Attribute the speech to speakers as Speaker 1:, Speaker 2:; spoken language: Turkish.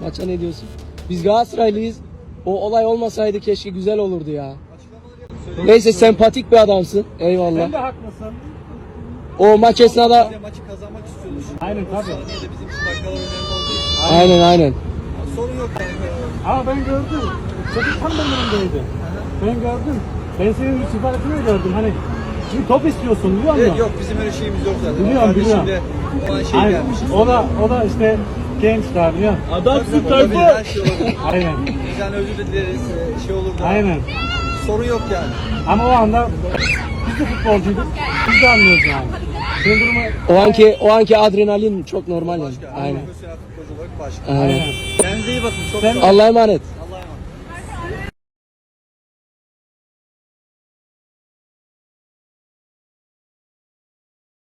Speaker 1: Maça ne diyorsun? Biz Galatasaraylıyız. O olay olmasaydı keşke güzel olurdu ya. Neyse sempatik bir adamsın. Eyvallah.
Speaker 2: Sen de haklısın.
Speaker 1: O maç esnada...
Speaker 3: Maçı kazanmak istiyoruz.
Speaker 2: Aynen tabii.
Speaker 3: Saniyede bizim için dakikalar önemli olduğu için.
Speaker 1: Aynen.
Speaker 3: Sorun yok yani.
Speaker 2: Ama ben gördüm. Çocuk tam benim önümdeydi. Ben gördüm. Ben senin siparişini gördüm. Hani şimdi top istiyorsun biliyor musun?
Speaker 3: Evet, yok bizim öyle şeyimiz yok zaten.
Speaker 2: Biliyorum.
Speaker 3: De, o an şey
Speaker 2: Aynen.
Speaker 3: gelmiş.
Speaker 2: O da işte genç daha biliyor musun?
Speaker 3: Adamsın tabii. Her şey olabilir.
Speaker 2: Aynen.
Speaker 3: Bizden özür dileriz. Şey olur da.
Speaker 2: Aynen.
Speaker 3: Sorun yok yani.
Speaker 2: Ama o anda biz de futbolcuyduk. Biz de anlıyoruz yani. Senin durumu...
Speaker 1: O anki adrenalin çok normal yani.
Speaker 3: Başka.
Speaker 1: Aynen.
Speaker 3: Profesyonel futbolcu olarak başka.
Speaker 1: Aynen.
Speaker 2: Aynen.
Speaker 3: Kendinize iyi bakın. Çok
Speaker 2: Sen-
Speaker 3: sağ olun.
Speaker 1: Allah'a emanet.